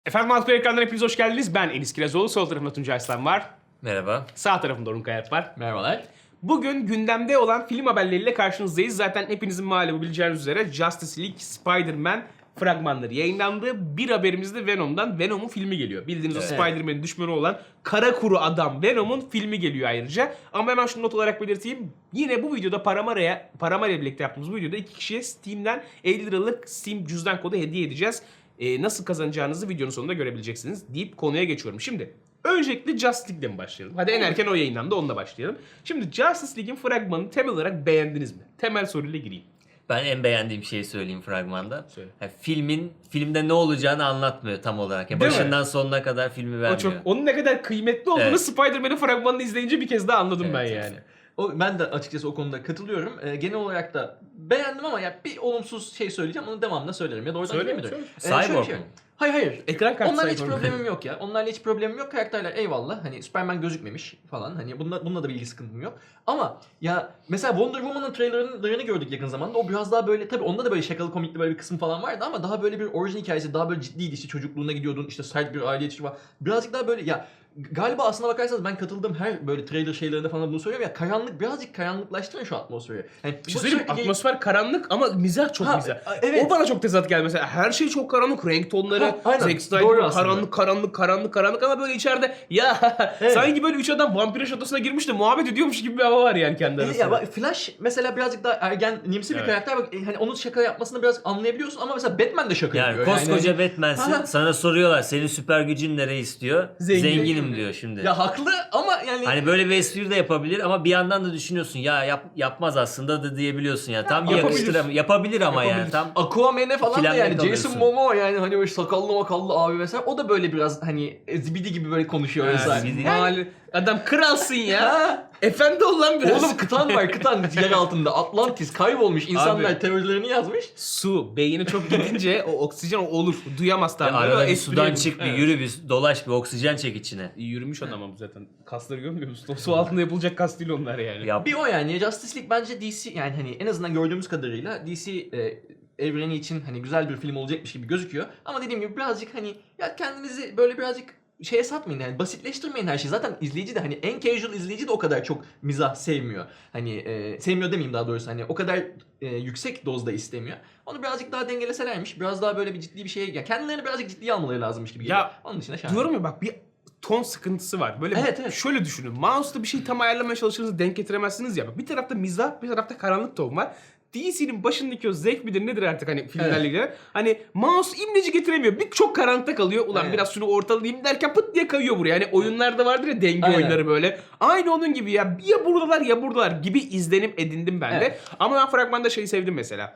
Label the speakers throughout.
Speaker 1: Efendim Altı ekrandan hepiniz hoş geldiniz. Ben Enis Kirazoğlu. Sol tarafımda Tuncay Aslan var.
Speaker 2: Merhaba.
Speaker 1: Sağ tarafımda Orhun Kayat var.
Speaker 3: Merhabalar.
Speaker 1: Bugün gündemde olan film haberleriyle karşınızdayız. Zaten hepinizin malumu bileceğiniz üzere Justice League, Spider-Man fragmanları yayınlandı. Bir haberimiz de Venom'dan. Venom'un filmi geliyor. Bildiğiniz o Spider-Man'in düşmanı olan kara kuru adam Venom'un filmi geliyor ayrıca. Ama hemen şunu not olarak belirteyim. Yine bu videoda Paramare ile birlikte yaptığımız bu videoda iki kişiye Steam'den 50 liralık Steam cüzdan kodu hediye edeceğiz. Nasıl kazanacağınızı videonun sonunda görebileceksiniz deyip konuya geçiyorum. Şimdi öncelikle Justice League'le mi başlayalım? Hadi en erken o yayınlandı, onunla başlayalım. Şimdi Justice League'in fragmanını temel olarak beğendiniz mi? Temel soruyla gireyim.
Speaker 2: Ben en beğendiğim şeyi söyleyeyim fragmanda.
Speaker 1: Söyle.
Speaker 2: Yani filmde ne olacağını anlatmıyor tam olarak. Yani
Speaker 1: Değil
Speaker 2: başından sonuna kadar filmi vermiyor.
Speaker 1: Onun ne kadar kıymetli olduğunu
Speaker 2: Evet.
Speaker 1: Spider-Man'in fragmanını izleyince bir kez daha anladım
Speaker 2: Evet,
Speaker 1: ben
Speaker 2: evet.
Speaker 1: yani.
Speaker 3: Ben de açıkçası o konuda katılıyorum. Genel olarak da beğendim ama ya bir olumsuz şey söyleyeceğim. Onu devamında söylerim. Ya da oradan
Speaker 1: Söyle,
Speaker 3: gireyim mi?
Speaker 2: söyle.
Speaker 3: Şöyle bir
Speaker 2: Cyborg mu?
Speaker 3: Hayır.
Speaker 1: Ekran kartı
Speaker 3: Onlarla hiç
Speaker 1: Cyborg.
Speaker 3: problemim yok ya. Onlarla hiç problemim yok. Karakterler eyvallah. Hani Superman gözükmemiş falan. Hani bununla da bir ilgi sıkıntım yok. Ama ya mesela Wonder Woman'ın trailerını gördük yakın zamanda. O biraz daha böyle, tabii onda da böyle şakalı komikli böyle bir kısım falan vardı ama daha böyle bir orijin hikayesi, daha böyle ciddiydi. İşte çocukluğuna gidiyordun, işte sert bir aile yetişimi var. Birazcık daha böyle ya, galiba aslına bakarsanız ben katıldığım her böyle trailer şeylerinde falan bunu söylüyorum ya, birazcık karanlıklaştırın şu atmosferi. Yani
Speaker 1: Bir şey söyleyeyim mi? Atmosfer karanlık ama mizah çok mizah.
Speaker 3: Evet.
Speaker 1: O bana çok tezat geldi mesela. Her şey çok karanlık, renk tonları,
Speaker 3: Aynen.
Speaker 1: Zack Snyder
Speaker 3: Doğru aslında.
Speaker 1: karanlık ama böyle içeride ya
Speaker 3: Evet.
Speaker 1: sanki böyle üç adam vampir şatosuna girmiş de muhabbet ediyormuş gibi bir hava var yani kendi arasında.
Speaker 3: Ya bak, Flash mesela birazcık daha ergenimsi bir
Speaker 1: Evet.
Speaker 3: karakter. Bak, hani onun şaka yapmasını biraz anlayabiliyorsun ama mesela Batman de şaka
Speaker 2: Yani
Speaker 3: yapıyor.
Speaker 2: koskoca
Speaker 3: hani-
Speaker 2: Batman'sin.
Speaker 3: Ha.
Speaker 2: Sana soruyorlar senin süper gücün ne reis diyor. Zenginim diyor şimdi.
Speaker 3: Ya haklı ama yani
Speaker 2: Hani böyle bir espri de yapabilir ama bir yandan da düşünüyorsun ya yapmaz aslında da diyebiliyorsun ya. Tam
Speaker 1: yapabilir.
Speaker 2: yapabilir ama yani
Speaker 1: Yapabilir.
Speaker 2: tam
Speaker 3: Aquaman'e falan da
Speaker 2: İkilemde
Speaker 3: yani
Speaker 2: kalıyorsun.
Speaker 3: Jason Momoa, yani hani böyle sakallı makallı abi mesela, o da böyle biraz hani zibidi gibi böyle konuşuyor vesaire.
Speaker 2: zibidi.
Speaker 1: Yani, adam kralsın ya.
Speaker 3: Ha?
Speaker 1: Efendi ol lan biraz.
Speaker 3: Oğlum kıtan var, kıtan yer altında. Atlantis kaybolmuş. İnsanlar
Speaker 1: Abi.
Speaker 3: teorilerini yazmış.
Speaker 1: Su, beyni çok gidince o oksijen olur. Duyamaz tam.
Speaker 2: arada
Speaker 1: Böyle
Speaker 2: bir
Speaker 1: espri
Speaker 2: sudan
Speaker 1: yapıyor.
Speaker 2: çık bir
Speaker 1: Evet.
Speaker 2: yürü bir dolaş bir oksijen çek içine.
Speaker 1: Yürümüş adam ama zaten. Kasları görmüyor musun? Su altında yapılacak kas değil onlar yani.
Speaker 2: Yap.
Speaker 3: Bir o yani. Justice League bence DC, yani hani en azından gördüğümüz kadarıyla DC evreni için hani güzel bir film olacakmış gibi gözüküyor. Ama dediğim gibi birazcık hani ya kendinizi böyle birazcık şeye satmayın, yani basitleştirmeyin her şeyi. Zaten izleyici de hani en casual izleyici de o kadar çok mizah sevmiyor. Hani sevmiyor demeyeyim daha doğrusu, hani o kadar yüksek dozda istemiyor. Onu birazcık daha dengeleselermiş. Biraz daha böyle bir ciddi bir şeye, ya kendilerini birazcık ciddiye almaları lazımmış gibi geliyor.
Speaker 1: Ya,
Speaker 3: Onun dışında şahane.
Speaker 1: Diyorum ya bak, bir ton sıkıntısı var. Böyle
Speaker 3: Evet.
Speaker 1: şöyle düşünün. Mouse'da bir şey tam ayarlamaya çalışırsanız denk getiremezsiniz ya. Bir tarafta mizah, bir tarafta karanlık ton var. DC'nin başındaki o zevk midir nedir artık hani filmlerle ilgili. Hani mouse imleci getiremiyor. Bir çok karanlıkta kalıyor. Ulan
Speaker 3: Evet.
Speaker 1: biraz şunu ortalayayım derken pıt diye kayıyor buraya. Hani oyunlarda vardır ya denge
Speaker 3: Aynen.
Speaker 1: oyunları böyle. Aynı onun gibi ya. Ya buradalar gibi izlenim edindim ben de.
Speaker 3: Evet.
Speaker 1: Ama ben fragmanda şeyi sevdim mesela.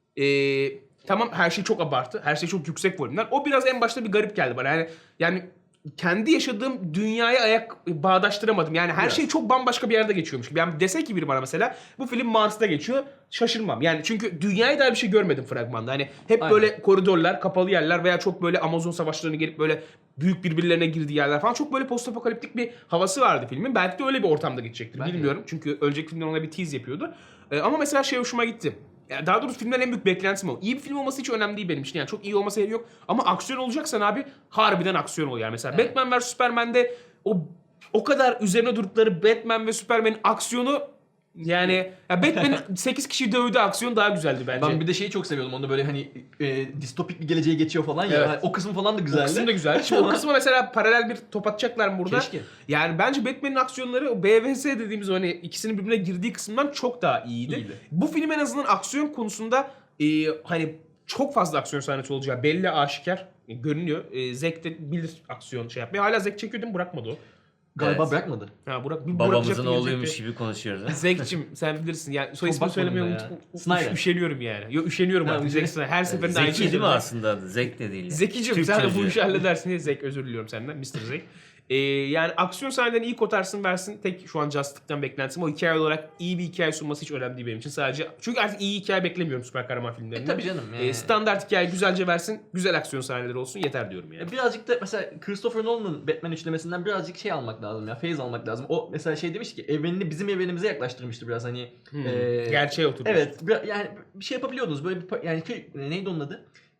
Speaker 1: Tamam, her şey çok abartı. Her şey çok yüksek volümler. O biraz en başta bir garip geldi bana. Yani kendi yaşadığım dünyaya bağdaştıramadım. Yani her
Speaker 3: Biraz.
Speaker 1: şey çok bambaşka bir yerde geçiyormuş gibi. Yani dese ki biri bana mesela bu film Mars'ta geçiyor, şaşırmam. Yani çünkü dünyaya dair bir şey görmedim fragmanda. Hani hep
Speaker 3: Aynen.
Speaker 1: böyle koridorlar, kapalı yerler veya çok böyle Amazon savaşlarına gelip böyle büyük birbirlerine girdiği yerler falan. Çok böyle postapokaliptik bir havası vardı filmin. Belki de öyle bir ortamda geçecektir.
Speaker 3: Belki.
Speaker 1: Bilmiyorum. Çünkü önceki filmden ona bir tease yapıyordu. Ama mesela şey hoşuma gitti. Yani daha doğrusu filmden en büyük beklentim o. İyi bir film olması hiç önemli değil benim için. Yani çok iyi olması gerek yok. Ama aksiyon olacaksan abi harbiden aksiyon ol yani. Mesela
Speaker 3: Evet.
Speaker 1: Batman vs Superman'de o kadar üzerine durdukları Batman ve Superman'in aksiyonu, yani ya Batman 8 kişi dövdü, aksiyon daha güzeldi bence.
Speaker 3: Ben bir de şeyi çok seviyordum. Onda böyle hani distopik bir geleceğe geçiyor falan ya.
Speaker 1: Evet.
Speaker 3: Hani o kısım falan da
Speaker 1: o
Speaker 3: güzeldi.
Speaker 1: kısım da güzel. Şimdi o kısma mesela paralel bir top atacaklar mı burada?
Speaker 3: Keşke.
Speaker 1: Yani bence Batman'in aksiyonları o BVS dediğimiz o hani ikisinin birbirine girdiği kısımdan çok daha iyiydi.
Speaker 3: İyiydi.
Speaker 1: Bu film en azından aksiyon konusunda hani çok fazla aksiyon sahnesi olacağı belli, aşikar görünüyor. Zack de bilir aksiyon şey yapmayı. Hala Zack çekiyor değil mi? Bırakmadı o.
Speaker 3: Galiba
Speaker 2: Evet.
Speaker 3: bırakmadı.
Speaker 1: Ha, bırakacaktı,
Speaker 2: Babamızın oğluymuş
Speaker 1: gelecekti.
Speaker 2: gibi konuşuyoruz. ha?
Speaker 1: Zack'cim sen bilirsin. Yani soy ismini
Speaker 3: bakmadım
Speaker 1: söylemeye
Speaker 3: da ya. Snyder.
Speaker 1: üşeniyorum yani. Yok, üşeniyorum
Speaker 3: Ha,
Speaker 1: artık.
Speaker 3: üzeri-
Speaker 1: Zack Snyder. Her seferinde aynı
Speaker 2: Zeki
Speaker 1: şeyi
Speaker 2: değil mi
Speaker 1: söylüyor.
Speaker 2: aslında adı? Zek de değil.
Speaker 1: Zekicim
Speaker 2: Türk
Speaker 1: sen de bu
Speaker 2: çocuğu.
Speaker 1: işi halledersin diye Zek, özür diliyorum senden Mr. Zek. Yani aksiyon sahnelerini iyi kotarsın versin. Tek şu an Justice'den beklentim o, hikaye olarak iyi bir hikaye sunması hiç önemli değil benim için. Sadece çünkü artık iyi hikaye beklemiyorum süper kahraman filmlerinde.
Speaker 3: Tabii canım. Yani.
Speaker 1: Standart hikaye güzelce versin. Güzel aksiyon sahneleri olsun yeter diyorum yani.
Speaker 3: Birazcık da mesela Christopher Nolan'ın Batman üçlemesinden birazcık şey almak lazım ya. Feyiz almak lazım. O mesela şey demiş ki evrenini bizim evrenimize yaklaştırmıştı biraz hani.
Speaker 1: Gerçeğe oturmuş.
Speaker 3: Evet. Yani bir şey yapabiliyordunuz. Böyle bir yani neydi onun adı?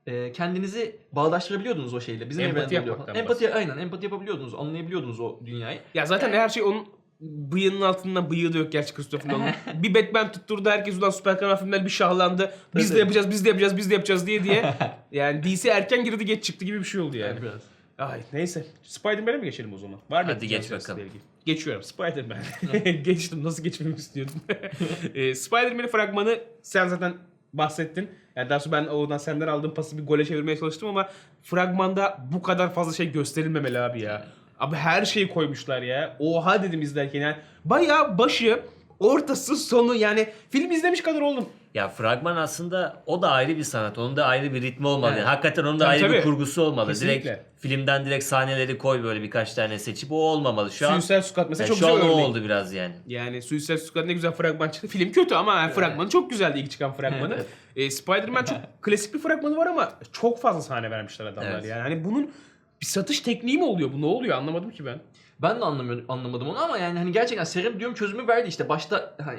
Speaker 3: kendinizi bağdaştırabiliyordunuz o şeyle. Bizim
Speaker 1: Empati
Speaker 3: evrende oluyor
Speaker 1: yapmaktan
Speaker 3: falan. Empati yapabiliyordunuz, anlayabiliyordunuz o dünyayı.
Speaker 1: Ya zaten her şey onun bıyığının altından, bıyığı da yok gerçi Christopher Nolan'ın. Bir Batman tutturdu, herkes ulan süper kahraman filmler bir şahlandı. Biz de
Speaker 3: Evet.
Speaker 1: yapacağız, biz de yapacağız, biz de yapacağız diye. Yani DC erken girdi geç çıktı gibi bir şey oldu yani.
Speaker 3: Yani biraz.
Speaker 1: Ay neyse. Spider-Man'e mi geçelim o zaman? Var mı?
Speaker 2: Hadi
Speaker 1: ekleyeceğiniz
Speaker 2: geç bakalım.
Speaker 1: ilgili? Geçiyorum. Spider-Man. Geçtim. Nasıl geçmemi istiyordum? Spider-Man'in fragmanı sen zaten bahsettin. Yani daha sonra ben oradan senden aldığım pası bir gole çevirmeye çalıştım ama fragmanda bu kadar fazla şey gösterilmemeli abi ya. Abi her şeyi koymuşlar ya. Oha dedim izlerken yani. Bayağı başı, ortası, sonu yani film izlemiş kadar oldum.
Speaker 2: Ya fragman aslında o da ayrı bir sanat. Onun da ayrı bir ritmi olmalı.
Speaker 3: Evet.
Speaker 2: Yani hakikaten onun da
Speaker 1: Tabii,
Speaker 2: ayrı
Speaker 1: tabii.
Speaker 2: bir kurgusu olmalı.
Speaker 1: Kesinlikle.
Speaker 2: Direkt filmden direkt sahneleri koy böyle birkaç tane seçip o olmamalı. Şu an
Speaker 1: Suicide Squad mesela
Speaker 2: yani
Speaker 1: çok
Speaker 2: şu
Speaker 1: güzel
Speaker 2: an o
Speaker 1: örnek.
Speaker 2: oldu biraz yani.
Speaker 1: Yani Suicide Squad ne güzel fragman çıktı. Film kötü ama yani fragmanı çok güzeldi ilk çıkan fragmanı. Spider-Man çok klasik bir fragmanı var ama çok fazla sahne vermişler adamlar
Speaker 2: Evet.
Speaker 1: yani. Hani bunun bir satış tekniği mi oluyor? Bu ne oluyor? Anlamadım ki ben.
Speaker 3: Ben de anlamadım onu ama yani hani gerçekten Serum diyorum çözümü verdi işte başta hani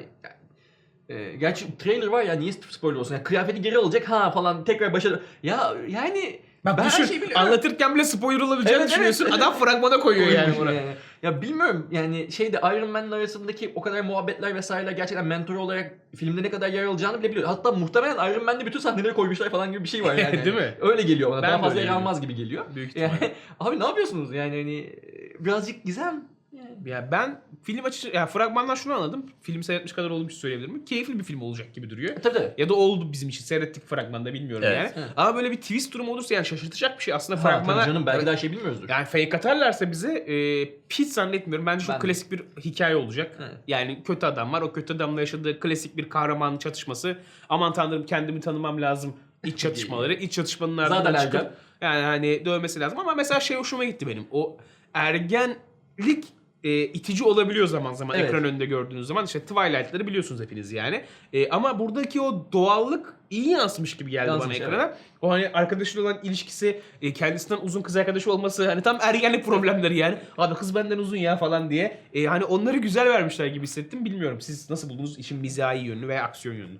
Speaker 3: gerçi trailer var ya niye spoiler olsun yani kıyafeti geri alacak ha falan tekrar başa ya yani
Speaker 1: Bak
Speaker 3: ben
Speaker 1: düşün,
Speaker 3: her şeyi biliyorum.
Speaker 1: anlatırken bile spoiler olabileceğini
Speaker 3: Evet,
Speaker 1: düşünüyorsun.
Speaker 3: evet.
Speaker 1: Adam fragmana koyuyor yani buna.
Speaker 3: Ya bilmiyorum yani şeyde Iron Man'le arasındaki o kadar muhabbetler vesaireler gerçekten mentor olarak filmde ne kadar yer alacağını bile biliyor. Hatta muhtemelen Iron Man'de bütün sahneleri koymuşlar falan gibi bir şey var yani.
Speaker 1: Değil mi?
Speaker 3: Öyle geliyor bana.
Speaker 1: Ben
Speaker 3: Daha
Speaker 1: de
Speaker 3: fazla
Speaker 1: öyle
Speaker 3: yer almaz gibi geliyor.
Speaker 1: Büyük ihtimalle.
Speaker 3: Yani, abi ne yapıyorsunuz yani hani birazcık gizem. Yani.
Speaker 1: Ya ben film açısı, ya fragmandan şunu anladım. Film seyretmiş kadar olduğum için söyleyebilirim. Keyifli bir film olacak gibi duruyor.
Speaker 3: Tabii.
Speaker 1: Ya da oldu bizim için. Seyrettik fragmanda bilmiyorum
Speaker 2: Evet.
Speaker 1: yani.
Speaker 3: Evet.
Speaker 1: Ama böyle bir twist durumu olursa yani şaşırtacak bir şey. Aslında
Speaker 3: Ha,
Speaker 1: fragmana...
Speaker 3: tabii canım belki de her şey bilmiyoruzdur.
Speaker 1: Yani fake atarlarsa bize hiç zannetmiyorum. Bence çok
Speaker 3: Ben de.
Speaker 1: klasik bir hikaye olacak.
Speaker 3: Evet.
Speaker 1: Yani kötü adam var. O kötü adamla yaşadığı klasik bir kahraman çatışması. Aman tanrım kendimi tanımam lazım. İç çatışmaları. İç çatışmanın ardından
Speaker 3: Zaten
Speaker 1: çıkıp
Speaker 3: ergen.
Speaker 1: yani hani dövmesi lazım. Ama mesela şey hoşuma gitti benim. O ergenlik itici olabiliyor zaman zaman
Speaker 3: Evet.
Speaker 1: ekran önünde gördüğünüz zaman. İşte Twilight'ları biliyorsunuz hepiniz yani. Ama buradaki o doğallık iyi yansımış gibi geldi
Speaker 3: Yansımış,
Speaker 1: bana ekrana. O hani arkadaşıyla olan ilişkisi, kendisinden uzun kız arkadaşı olması hani tam ergenlik problemleri yani. Abi kız benden uzun ya falan diye. Hani onları güzel vermişler gibi hissettim. Bilmiyorum siz nasıl buldunuz işin mizahi yönünü veya aksiyon yönünü?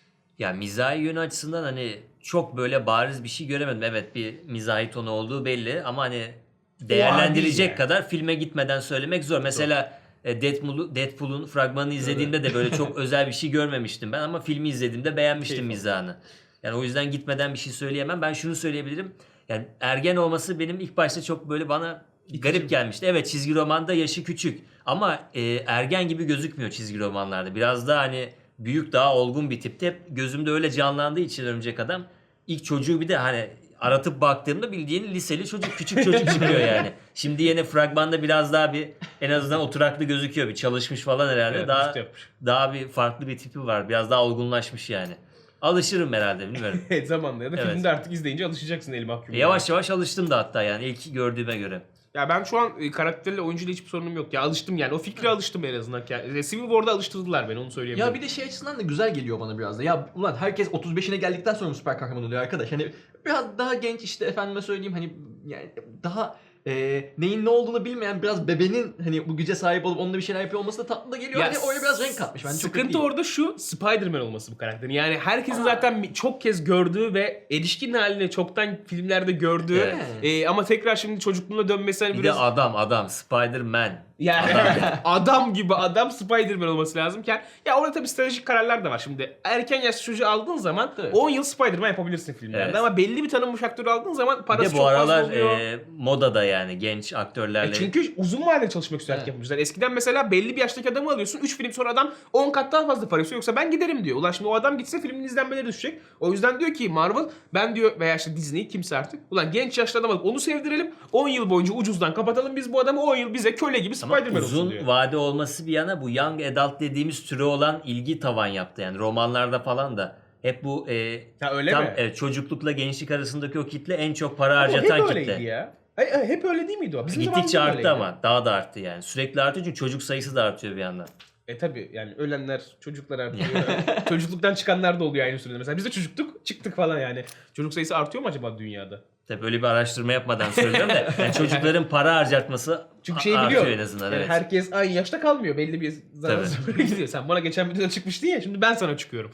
Speaker 2: Ya mizahi yönü açısından hani çok böyle bariz bir şey göremedim. Evet bir mizahi tonu olduğu belli ama hani değerlendirecek
Speaker 1: yani.
Speaker 2: kadar filme gitmeden söylemek zor. Mesela Deadpool'un fragmanını izlediğimde de böyle çok özel bir şey görmemiştim ben ama filmi izlediğimde beğenmiştim
Speaker 1: Keyif
Speaker 2: mizahını. Yani o yüzden gitmeden bir şey söyleyemem. Ben şunu söyleyebilirim. Yani ergen olması benim ilk başta çok böyle bana garip gelmişti. Evet çizgi romanda yaşı küçük ama ergen gibi gözükmüyor çizgi romanlarda. Biraz daha hani büyük daha olgun bir tipte. Hep gözümde öyle canlandığı için Örümcek Adam. İlk çocuğu bir de hani aratıp baktığımda bildiğin liseli çocuk, küçük çocuk çıkıyor yani. Şimdi yine fragmanda biraz daha bir en azından oturaklı gözüküyor. Bir çalışmış falan herhalde.
Speaker 1: Evet,
Speaker 2: daha
Speaker 1: vücut yapmış.
Speaker 2: daha bir farklı bir tipi var. Biraz daha olgunlaşmış yani. Alışırım herhalde bilmiyorum.
Speaker 1: Evet zamanla ya da
Speaker 2: Evet.
Speaker 1: filmde artık izleyince alışacaksın el mahkum.
Speaker 2: Yavaş yavaş alıştım da hatta yani ilk gördüğüme göre.
Speaker 1: Ya ben şu an karakterle oyuncuyla hiçbir sorunum yok. Ya alıştım yani. O fikre alıştım en azından. Yani, Civil War'da alıştırdılar beni onu söyleyebilirim.
Speaker 3: Ya bir de şey açısından da güzel geliyor bana biraz da. Ya ulan herkes 35'ine geldikten sonra süper kahraman oluyor arkadaş. Hani biraz daha genç işte efendime söyleyeyim hani yani daha neyin ne olduğunu bilmeyen biraz bebenin hani bu güce sahip olup onunla bir şeyler yapıyor olması da tatlı da geliyor.
Speaker 1: Ya
Speaker 3: Hani oraya biraz renk katmış. Bence çok
Speaker 1: sıkıntı
Speaker 3: iyi.
Speaker 1: orada şu Spider-Man olması bu karakterin. Yani herkesin zaten çok kez gördüğü ve erişkin haline çoktan filmlerde gördüğü
Speaker 2: Evet.
Speaker 1: ama tekrar şimdi çocukluğuna dönmesi hani
Speaker 2: Bir
Speaker 1: biraz...
Speaker 2: de adam Spider-Man.
Speaker 1: Yani adam gibi adam Spider-Man olması lazımken ya orada tabii stratejik kararlar da var. Şimdi erken yaşlı çocuğu aldığın zaman
Speaker 3: Evet.
Speaker 1: 10 yıl Spider-Man yapabilirsin filmlerde
Speaker 2: Evet.
Speaker 1: ama belli bir tanınmış aktörü aldığın zaman
Speaker 2: Bir
Speaker 1: parası
Speaker 2: de bu
Speaker 1: çok fazla
Speaker 2: aralar
Speaker 1: oluyor.
Speaker 2: modada yani genç aktörlerle.
Speaker 1: Çünkü uzun vadeli çalışmak isterek
Speaker 3: Evet.
Speaker 1: yapmışlar. Eskiden mesela belli bir yaştaki adamı alıyorsun. 3 film sonra adam 10 kat daha fazla parası yoksa ben giderim diyor. Ulan şimdi o adam gitse filmin izlenmeleri düşecek. O yüzden diyor ki Marvel ben diyor veya işte Disney kimse artık. Ulan genç yaşlı adam alıp onu sevdirelim. 10 yıl boyunca ucuzdan kapatalım biz bu adamı 10 yıl bize köle gibi
Speaker 2: Ama
Speaker 1: Spider-Man olsun
Speaker 2: uzun
Speaker 1: diyor.
Speaker 2: vade olması bir yana bu young adult dediğimiz türe olan ilgi tavan yaptı. Yani romanlarda falan da hep bu
Speaker 1: Ha öyle
Speaker 2: tam
Speaker 1: mi?
Speaker 2: çocukluk gençlik arasındaki o kitle en çok para
Speaker 1: Ama
Speaker 2: harcatan
Speaker 1: hep öyleydi
Speaker 2: kitle.
Speaker 1: ya. Hep öyle değil miydi o? Bizim
Speaker 2: Gittikçe
Speaker 1: zamanımızda
Speaker 2: arttı
Speaker 1: öyleydi.
Speaker 2: ama daha da arttı yani. Sürekli artıyor çünkü çocuk sayısı da artıyor bir yandan.
Speaker 1: Tabi yani ölenler çocuklar artıyor. Çocukluktan çıkanlar da oluyor aynı sürede. Mesela biz de çocuktuk çıktık falan yani. Çocuk sayısı artıyor mu acaba dünyada?
Speaker 2: Tabii böyle bir araştırma yapmadan söylüyorum da yani çocukların para harcatması
Speaker 1: Çünkü şeyi
Speaker 2: artıyor
Speaker 1: biliyor.
Speaker 2: en azından.
Speaker 1: Yani
Speaker 2: Evet.
Speaker 1: herkes aynı yaşta kalmıyor. Belli bir zaman
Speaker 2: Tabii.
Speaker 1: sonra gidiyor. Sen bana geçen videoda çıkmıştın ya şimdi ben sana çıkıyorum.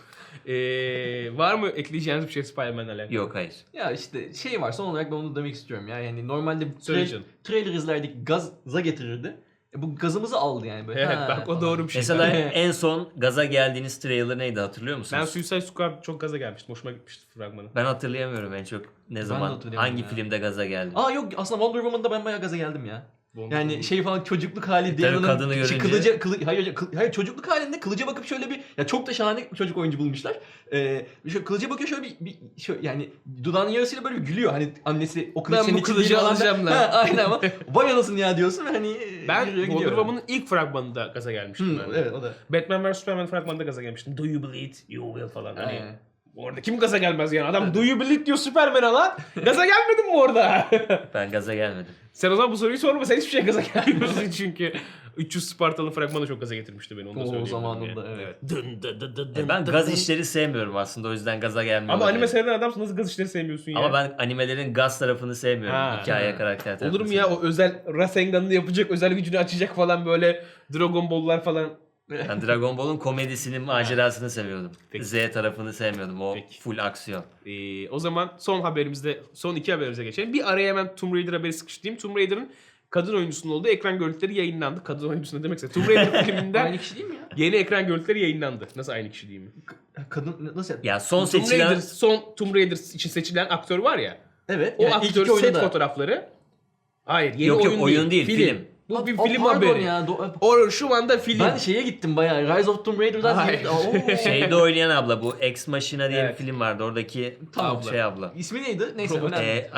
Speaker 1: Var mı ekleyeceğiniz bir şey Spider-Man'le alakalı?
Speaker 2: Yok hayır.
Speaker 3: Ya işte şey var, son olarak ben onu demek istiyorum ya. Yani normalde
Speaker 1: Söyle canım.
Speaker 3: trailer izlerdik, gaza getirirdi. Bu gazımızı aldı yani böyle.
Speaker 1: Evet
Speaker 3: Ha,
Speaker 1: bak o
Speaker 3: falan.
Speaker 1: doğru bir şey.
Speaker 2: Mesela en son gaza geldiğiniz trailer neydi hatırlıyor musunuz?
Speaker 1: Ben Suicide Squad çok gaza gelmiştim. Hoşuma gitmişti fragmanı.
Speaker 2: Ben hatırlayamıyorum en çok ne zaman
Speaker 3: hatırlayamıyorum
Speaker 2: hangi
Speaker 3: ya.
Speaker 2: filmde gaza geldim.
Speaker 3: Aa yok, aslında Wonder Woman'da ben bayağı gaza geldim ya.
Speaker 1: Wonder
Speaker 3: Yani
Speaker 1: Woman.
Speaker 3: şey falan, çocukluk hali
Speaker 2: Tabii
Speaker 3: Diana'nın
Speaker 2: kadını görünce-
Speaker 3: hayır çocukluk halinde kılıca bakıp şöyle bir, ya çok da şahane çocuk oyuncu bulmuşlar. Şöyle kılıca bakıyor, şöyle şöyle yani dudağının yarısıyla böyle bir gülüyor. Hani annesi o kılıç
Speaker 1: Ben
Speaker 3: senin
Speaker 1: bu
Speaker 3: için
Speaker 1: kılıcı
Speaker 3: değil falan
Speaker 1: alacağım
Speaker 3: da-
Speaker 1: lan.
Speaker 3: Ha, aynen ama vay anasını ya diyorsun ve hani
Speaker 1: Ben
Speaker 3: yürüyor
Speaker 1: Wonder
Speaker 3: gidiyor.
Speaker 1: Woman'ın ilk fragmanında gaza gelmiştim. ben de.
Speaker 3: Evet o da.
Speaker 1: Batman vs Superman fragmanında gaza gelmiştim. Do you bleed? You will falan. Hani
Speaker 3: Aynen.
Speaker 1: orada kim gaza gelmez yani? Adam do you bleed diyor Superman'e lan. Gaza gelmedin mi orada?
Speaker 2: Ben gaza gelmedim.
Speaker 1: Sen o zaman bu soruyu sorma. Sen hiçbir şey gaza gelmiyorsun çünkü. 300 Spartalı fragmanı çok gaza getirmişti beni. Onu da
Speaker 3: O
Speaker 1: söyleyeyim.
Speaker 3: zamanında,
Speaker 1: yani.
Speaker 3: evet.
Speaker 1: Dın dı dı dı dın
Speaker 2: Ben
Speaker 1: dı
Speaker 2: gaz
Speaker 1: dın.
Speaker 2: işleri sevmiyorum aslında, o yüzden gaza gelmiyor.
Speaker 1: Ama
Speaker 2: olabilir.
Speaker 1: anime seyreden adamsın, nasıl gaz işleri sevmiyorsun ya?
Speaker 2: Ama ben animelerin gaz tarafını sevmiyorum.
Speaker 1: Ha.
Speaker 2: Hikaye, karakter tarafını.
Speaker 1: Olur mu ya, o özel Rasengan'ını yapacak, özel gücünü açacak falan, böyle Dragon Ball'lar falan.
Speaker 2: Ben Dragon Ball'un komedisinin macerasını seviyordum.
Speaker 1: Peki.
Speaker 2: Z tarafını sevmiyordum. O
Speaker 1: Peki.
Speaker 2: full aksiyon.
Speaker 1: O zaman son iki haberimize geçelim. Bir araya hemen Tomb Raider haberi sıkıştırayım. Tomb Raider'ın kadın oyuncusunun olduğu ekran görüntüleri yayınlandı. Kadın oyuncusu ne demekse. Tomb Raider filminden
Speaker 3: Aynı kişi değil mi ya?
Speaker 1: yeni ekran görüntüleri yayınlandı. Nasıl aynı kişi değil mi?
Speaker 3: Kadın nasıl?
Speaker 2: Ya son
Speaker 1: Tomb
Speaker 2: seçilen...
Speaker 1: Raider, son Tomb Raider için seçilen aktör var ya.
Speaker 3: Evet.
Speaker 1: O
Speaker 3: yani ilk iki
Speaker 1: aktörün
Speaker 3: oyunda
Speaker 1: set
Speaker 3: da-
Speaker 1: fotoğrafları. Hayır, yeni
Speaker 2: Yok,
Speaker 1: oyun,
Speaker 2: oyun değil, film.
Speaker 1: Bu bir
Speaker 3: Aa,
Speaker 1: film
Speaker 3: pardon
Speaker 1: haberi.
Speaker 3: ya.
Speaker 1: O şu anda film.
Speaker 3: Ben şeye gittim bayağı. Rise of Tomb Raider'dan
Speaker 1: Hayır.
Speaker 2: Şeyde oynayan abla, bu Ex Machina diye
Speaker 1: Evet.
Speaker 2: bir film vardı. Oradaki
Speaker 3: Tamam.
Speaker 2: şey abla.
Speaker 3: İsmi neydi? Neyse
Speaker 1: Robot.
Speaker 3: önemli.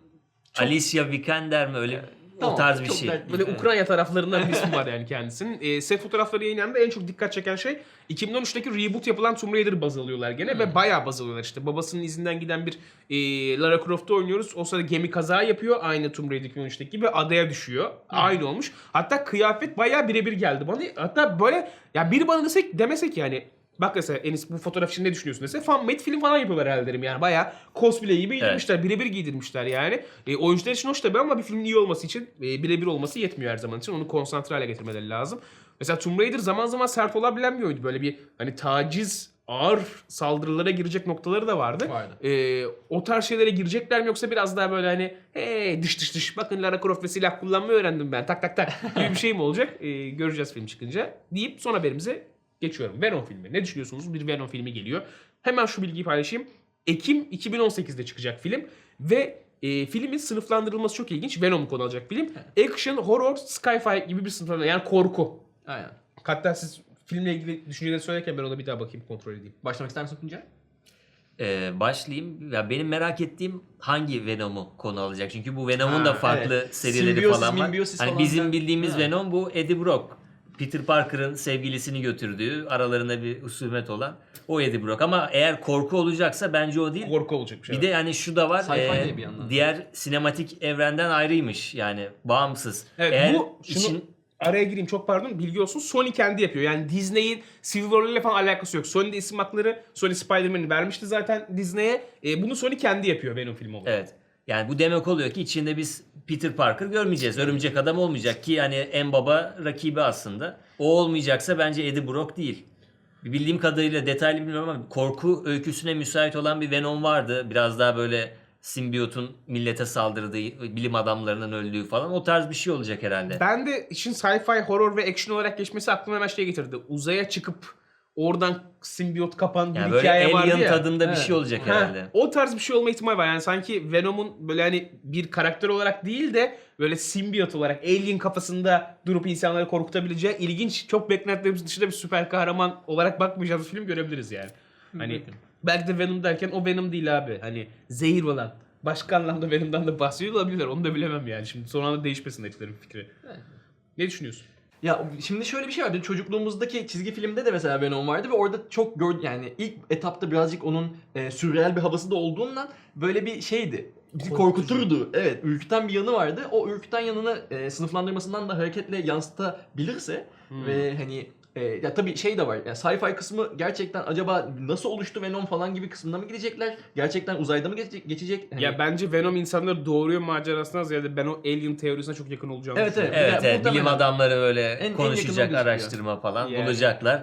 Speaker 2: Alicia Vikander mi, öyle
Speaker 3: Tamam,
Speaker 2: o tarz bir
Speaker 3: çok
Speaker 2: şey.
Speaker 3: dert-
Speaker 1: Böyle
Speaker 3: Evet.
Speaker 1: Ukrayna taraflarından bir ismi var yani kendisinin. Set fotoğrafları yayınlandı. En çok dikkat çeken şey 2013'teki reboot yapılan Tomb Raider'ı baz alıyorlar gene ve bayağı baz alıyorlar işte. Babasının izinden giden bir Lara Croft'u oynuyoruz. O sırada gemi kaza yapıyor. Aynı Tomb Raider 2013'teki gibi adaya düşüyor. Aynı olmuş. Hatta kıyafet bayağı birebir geldi bana. Hatta böyle ya biri bana demesek yani, bak mesela Enis bu fotoğraf için ne düşünüyorsun dese, fan made film falan yapıyorlar herhalde derim yani. Bayağı cosplay gibi giydirmişler. Birebir giydirmişler yani. Oyuncular için hoş tabii ama bir filmin iyi olması için birebir olması yetmiyor her zaman için. Onu konsantre hale getirmeleri lazım. Mesela Tomb Raider zaman zaman sert olabilen bir oyundu. Böyle bir hani taciz, ağır saldırılara girecek noktaları da vardı. O tarz şeylere girecekler mi, yoksa biraz daha böyle hani hey dış dış bakın Lara Croft ve silah kullanmayı öğrendim ben tak tak tak gibi bir şey mi olacak? Göreceğiz film çıkınca deyip son haberimize geçiyorum. Venom filmi. Ne düşünüyorsunuz? Bir Venom filmi geliyor. Hemen şu bilgiyi paylaşayım. Ekim 2018'de çıkacak film ve filmin sınıflandırılması çok ilginç. Venom'u konu alacak film. Action, horror, sci-fi gibi bir sınıflandırma, yani korku.
Speaker 3: Aynen.
Speaker 1: Hatta siz filmle ilgili düşünceleri söylerken ben ona bir daha bakayım, kontrol edeyim.
Speaker 3: Başlamak ister misin Tuncay?
Speaker 2: Başlayayım. Ya benim merak ettiğim hangi Venom'u konu alacak. Çünkü bu Venom'un da
Speaker 1: Ha,
Speaker 2: farklı
Speaker 3: evet.
Speaker 2: serileri
Speaker 3: Symbiosis,
Speaker 2: falan var.
Speaker 3: mimbiosis
Speaker 2: Hani
Speaker 3: falan
Speaker 2: bizim
Speaker 3: filan.
Speaker 2: bildiğimiz
Speaker 3: Ha.
Speaker 2: Venom bu Eddie Brock. Peter Parker'ın sevgilisini götürdüğü, aralarında bir husumet olan o Eddie Brock. Ama eğer korku olacaksa bence o değil.
Speaker 1: Korku olacak bir şey.
Speaker 2: Bir de yani şu da var.
Speaker 3: Sci-fi de bir yandan.
Speaker 2: Diğer sinematik evrenden ayrıymış. Yani bağımsız.
Speaker 1: Evet,
Speaker 2: Eğer
Speaker 1: bu şunu araya gireyim, çok pardon, bilgi olsun. Sony kendi yapıyor. Yani Disney'in Civil War ile falan alakası yok. Sony'de isim hakları, Sony Spider-Man'i vermişti zaten Disney'e. Bunu Sony kendi yapıyor Venom filmi olarak.
Speaker 2: Evet. Yani bu demek oluyor ki içinde biz Peter Parker görmeyeceğiz. Örümcek Adam olmayacak ki yani en baba rakibi aslında. O olmayacaksa bence Eddie Brock değil. Bildiğim kadarıyla, detaylı bilmiyorum ama korku öyküsüne müsait olan bir Venom vardı. Biraz daha böyle simbiyotun millete saldırdığı, bilim adamlarının öldüğü falan, o tarz bir şey olacak herhalde.
Speaker 1: Ben de işin sci-fi, horror ve action olarak geçmesi aklıma hemen şey getirdi. Uzaya çıkıp oradan simbiyot kapan bir
Speaker 2: Yani böyle
Speaker 1: hikaye vardı
Speaker 2: Alien
Speaker 1: ya.
Speaker 2: tadında bir
Speaker 3: Evet.
Speaker 2: şey olacak
Speaker 1: Ha,
Speaker 2: herhalde.
Speaker 1: o tarz bir şey olma ihtimali var. Yani sanki Venom'un böyle hani bir karakter olarak değil de böyle simbiyot olarak alien kafasında durup insanları korkutabileceği ilginç, çok beklentilerimiz dışında bir süper kahraman olarak bakmayacağımız bir film görebiliriz yani. Hani belki de Venom derken o Venom değil abi. Hani zehir olan. Başka anlamda Venom'dan da bahsediyor olabilirler. Onu da bilemem yani. Şimdi son anda değişmesin etkilerin fikri.
Speaker 3: Evet.
Speaker 1: Ne düşünüyorsun?
Speaker 3: Ya şimdi şöyle bir şey var. Bizim çocukluğumuzdaki çizgi filmde de mesela Venom vardı ve orada çok yani ilk etapta birazcık onun sürreal bir havası da olduğundan böyle bir şeydi. Bizi korkuturdu. Evet, ürküten bir yanı vardı. O ürküten yanını sınıflandırmasından da hareketle yansıtabilirse ve hani ya tabii şey de var. Yani sci-fi kısmı gerçekten acaba nasıl oluştu Venom falan gibi kısmına mı gidecekler? Gerçekten uzayda mı geçecek? Hani-
Speaker 1: Ya bence Venom insanları doğuruyor macerasından ziyade ben o alien teorisine çok yakın olacağını
Speaker 3: Evet,
Speaker 1: düşünüyorum.
Speaker 2: Evet,
Speaker 3: Ya,
Speaker 2: evet.
Speaker 3: muhtemelen.
Speaker 2: Bilim adamları böyle
Speaker 3: En yakın o
Speaker 2: konuşacak,
Speaker 3: gözüküyor.
Speaker 2: araştırma falan
Speaker 1: Yani.
Speaker 2: bulacaklar.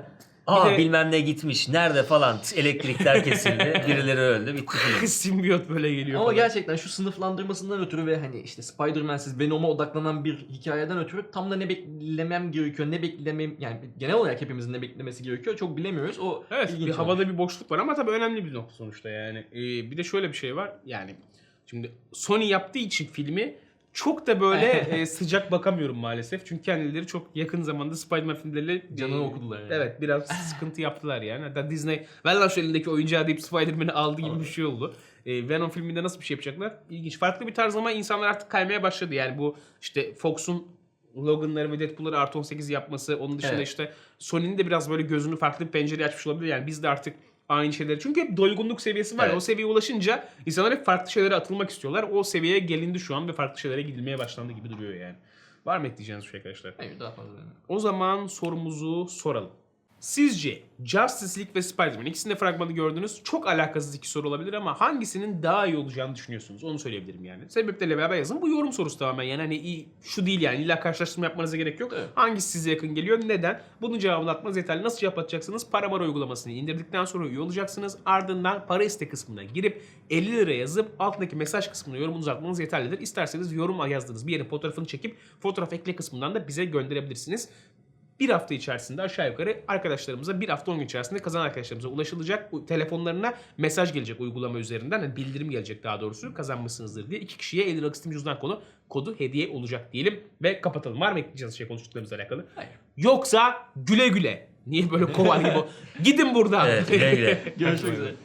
Speaker 2: Aa
Speaker 1: de-
Speaker 2: bilmem ne gitmiş. Nerede falan. Elektrikler kesildi. Birileri öldü. Bitti film.
Speaker 1: Simbiyot böyle geliyor
Speaker 3: Ama
Speaker 1: falan.
Speaker 3: gerçekten şu sınıflandırmasından ötürü ve hani işte Spider-Man'siz Venom'a odaklanan bir hikayeden ötürü tam da ne beklemem gerekiyor, ne beklemem yani genel olarak hepimizin ne beklemesi gerekiyor çok bilemiyoruz. O
Speaker 1: Evet,
Speaker 3: ilginç
Speaker 1: bir havada
Speaker 3: olmuş.
Speaker 1: bir boşluk var ama tabii önemli bir nokta sonuçta yani. Bir de şöyle bir şey var. Yani şimdi Sony yaptığı için filmi çok da böyle sıcak bakamıyorum maalesef. Çünkü kendileri çok yakın zamanda Spider-Man filmleriyle
Speaker 3: Canını okudular yani.
Speaker 1: Evet, biraz sıkıntı yaptılar yani. Hatta Disney ver lan şu elindeki oyuncağı deyip Spider-Man'i aldı gibi bir şey oldu. Venom filminde nasıl bir şey yapacaklar? İlginç. Farklı bir tarz ama insanlar artık kaymaya başladı. Yani bu işte Fox'un Logan'ları ve Deadpool'ları artı 18 yapması. Onun dışında
Speaker 3: Evet.
Speaker 1: işte Sony'nin de biraz böyle gözünü farklı bir pencereye açmış olabilir. Yani biz de artık aynı şeyleri. Çünkü hep doygunluk seviyesi var. ya,
Speaker 3: Evet.
Speaker 1: O seviyeye ulaşınca insanlar hep farklı şeylere atılmak istiyorlar. O seviyeye gelindi şu an ve farklı şeylere gidilmeye başlandı gibi duruyor yani. Var mı ekleyeceğiniz bir şey arkadaşlar?
Speaker 3: Hayır daha fazla yani.
Speaker 1: O zaman sorumuzu soralım. Sizce Justice League ve Spider-Man ikisinin de fragmanı gördünüz. Çok alakasız iki soru olabilir ama hangisinin daha iyi olacağını düşünüyorsunuz? Onu söyleyebilirim yani. Sebepleriyle beraber yazın. Bu yorum sorusu tamamen yani hani şu değil yani illa karşılaştırma yapmanıza gerek yok.
Speaker 3: Evet.
Speaker 1: Hangisi size yakın geliyor? Neden? Bunun cevabını atmanız yeterli. Nasıl cevap atacaksınız? Paramara uygulamasını indirdikten sonra üye olacaksınız. Ardından para iste kısmına girip 50 lira yazıp altındaki mesaj kısmına yorumunuzu atmanız yeterlidir. İsterseniz yorum yazdığınız bir yerin fotoğrafını çekip fotoğraf ekle kısmından da bize gönderebilirsiniz. Bir hafta içerisinde aşağı yukarı arkadaşlarımıza bir hafta 10 gün içerisinde kazanan arkadaşlarımıza ulaşılacak. Telefonlarına mesaj gelecek uygulama üzerinden. Yani bildirim gelecek daha doğrusu kazanmışsınızdır diye. 2 kişiye 50 liralık Steam cüzdan kodu hediye olacak diyelim. Ve kapatalım. Var mı ekleyeceğiniz şey konuştuklarımızla alakalı?
Speaker 3: Hayır.
Speaker 1: Yoksa güle güle. Niye böyle kovar gibi? Gidin buradan.
Speaker 2: Evet güle güle.
Speaker 3: Görüşmek üzere.